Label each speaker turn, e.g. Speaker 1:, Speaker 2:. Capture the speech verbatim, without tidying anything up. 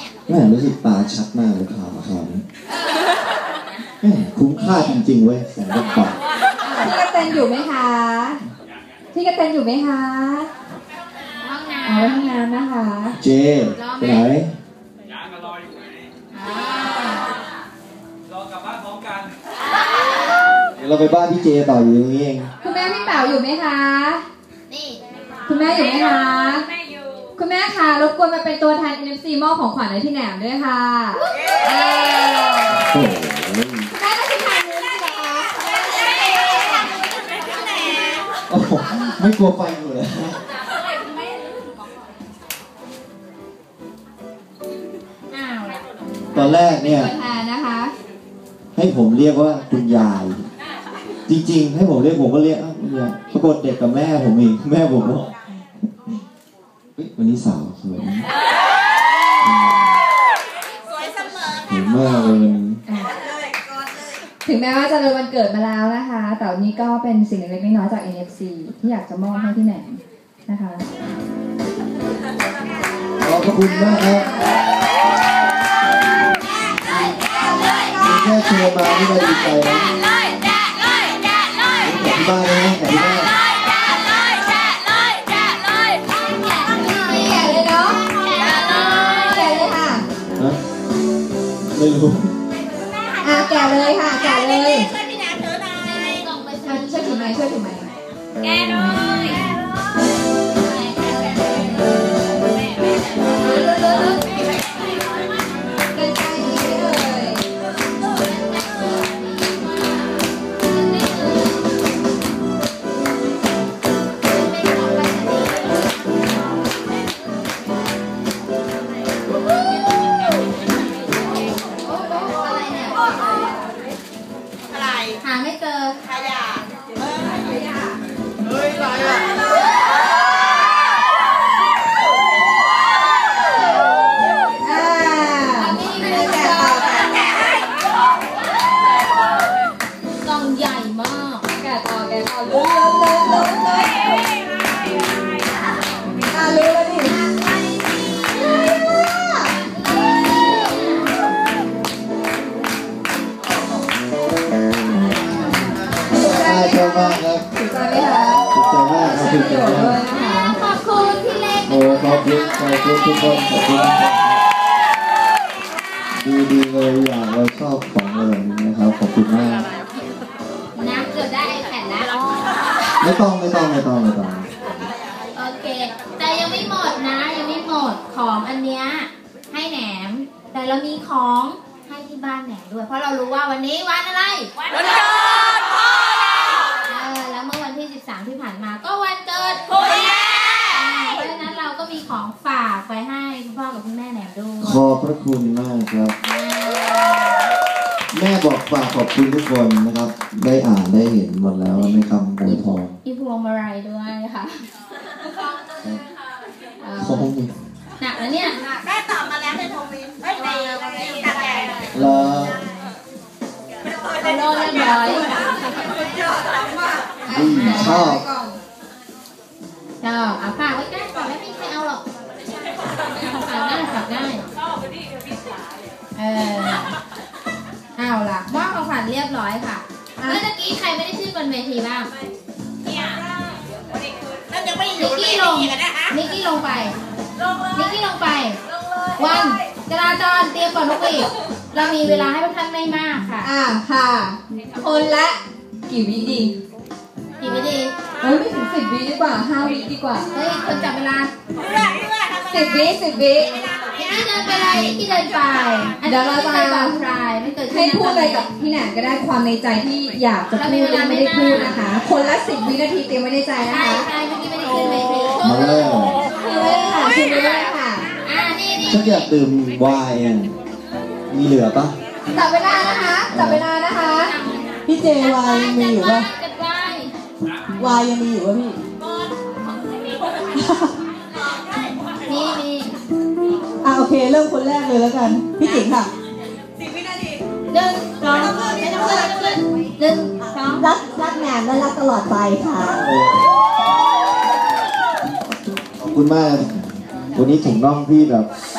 Speaker 1: แม่รู้สึกตาชัดมากเลยข่าวข่าวนี้แม่คุ้มค่าจริงๆเว้ยแสนกว่าบาท
Speaker 2: พี่กระเตนอยู่ไหมคะพี่กระเตนอยู่ไหมคะห้องน้ำอ๋อห้องน้ำนะคะ
Speaker 1: เจไปไหน
Speaker 3: ยางก็รออยู่ไหนรอกลับบ้านพร้อมกัน
Speaker 1: เดี๋ยวเราไปบ้านพี่เจต่ออยู่ตรงนี้เอง
Speaker 2: คุณแม่พี่เป๋าอยู่ไหมคะนี่คุณแม่อยู่ไหมคะคุณแม่ค่ะรบกวนมาเป็นตัวแทน เอ็น เอฟ ซี มอบของขวัญให้พี่แหนมด้วยค่ะคุณแม่ต้องทานนี้สิคะ
Speaker 1: โอ้โหไม่กลัวไฟอยู่เลยตอนแรกเนี่ยให้ผมเรียกว่าคุณยายจริงๆให้ผมเรียกผมก็เรียกเนี่ยปรากฏเด็กกับแม่ผมเองแม่ผมบอกวันนี้สาวสวย
Speaker 4: สวยเสมอ
Speaker 1: เห็นมากเลย
Speaker 2: ถึงแม้ว่าจะเลยวันเกิดมาแล้วนะคะแต่วันนี้ก็เป็นสิ่งเล็กๆน้อยๆจาก เอ็น เอฟ ซี ที่อยากจะมอบให้พี่แหนมนะคะ
Speaker 1: ขอบคุณมากครับแค่เชิญมาที่เราดีใจนะขอบคุณมากเลยนะขอบคุณมากไม่รู้
Speaker 2: อ่ะแกะเลยค่ะแกะเลย
Speaker 4: ช่วยพี่แหนมถือหน่อย
Speaker 2: ช่วยถือไหมช่วยถือไหม
Speaker 4: แกะหน่อย
Speaker 2: หาไม่เจอ
Speaker 4: ขยะเฮ้ยขยะเฮ้ยอะไรอ่ะ
Speaker 2: อ่านี่ไม่ได้แกะต่อแกะให้กล่องใหญ่มากแกะต่อแกะต่อลุ้นลุ้นลุ้นลุ้นอ่าลุ้นแล้วดิ
Speaker 1: ชอบมากครับ
Speaker 2: ถูกใจไหมคะ
Speaker 1: ถูกใจมากครับถูกใจมาก
Speaker 2: ขอบคุณพี่เล็ก
Speaker 1: โอ้ขอบคุณขอบคุณทุกคนขอบคุณดีดีเลยอย่างเราชอบของอะไรนี้นะครับขอบคุณมาก
Speaker 2: น้ำเกือบได้แผ่นแล้ว
Speaker 1: ไม่ต้องไม่ต้องไม่ต้องไม่ต้อง
Speaker 2: โอเคแต่ยังไม่หมดนะยังไม่หมดของอันเนี้ยให้แหนมแต่เรามีของให้ที่บ้านแหนมด้วยเพราะเรารู้ว่าวันนี้วันอะไร
Speaker 4: วันเกิดพ่อ
Speaker 2: แล้วเมื่อวันที่สิบสามที่ผ่านมาก็วันเกิดคุณแม่เพราะฉะนั้นเราก็มีของฝากไปให้คุณพ่อกับคุณแม่แหนมด้วย
Speaker 1: ขอบพระคุณมากครับแม่บอกฝากขอบคุณทุกคนนะครับได้อ่านได้เห็นหมดแล้วในคำอวยพร
Speaker 2: มีพวงมาลัยด้วยค่ะ
Speaker 1: ขอบคุณ
Speaker 2: หนักแล้วเนี่ย
Speaker 4: แม่ตอบมาแล้วในทวิตไม่ในตัดแกะ
Speaker 1: แล้ว
Speaker 2: เอาโดนเรียบร้อย
Speaker 1: ชอบ
Speaker 2: ชอบเอาฝากไว้ใกล้ก่อนแล้วไม่ใครเอาหรอกฝากได้ฝากได้เออเอาล่ะมอบของขวัญเรียบร้อยค่ะเมื่อกี้ใครไม่ได้ชื่อบนเวทีบ้าง
Speaker 4: เนี่ยแล้วยังไม่อยู่นิกกี้ลง
Speaker 2: นิกกี้ลงไปนิกกี้ลงไปวันจราจรเตรียมก่อนทุกวีเรามีเวลาให้ท่านไม่มากค่ะอ่าค่ะคนละกี่วิดีกี่วิดีเฮ้ยไม่ถึงสิบวิดีกว่าห้าวิดีกว่าเฮ้ยคนจับเวลาสิบวิสิบวิที่เดินไปเลยที่เดินไปเดี๋ยวเราจะให้พูดอะไรกับพี่แหนมก็ได้ความในใจที่อยากจะพูดไม่ได้พูดนะคะคนละสิบวินาทีเตรียมไว้ในใจนะคะใช่เมื่อกี้ไม่ได้ขึ้นเลย
Speaker 1: มาเลย
Speaker 2: คือเลยค่ะคือเลยค่ะอ่านี่นี่
Speaker 1: ฉันอยากดื่มไวน์มีเหลือปะ
Speaker 2: จับเวลานะคะจับเวลานะคะ
Speaker 5: พี่เจวายยังมีอยู่ปะวายยังมีอยู่ปะพี่
Speaker 2: นี่นี่
Speaker 5: อ่ะโอเคเริ่มคนแรกเลยแล้วกันพี่จิ๋งค่ะ
Speaker 4: สิบวินาที
Speaker 2: หนึ่งสองไม่ต้องเลื่อนไม่ต้องเลื่อนหนึ่งสอง
Speaker 5: รักรักแหนมและรักตลอดไปค่ะ
Speaker 1: ขอบคุณมากวันนี้ถุงน่องพี่แบบ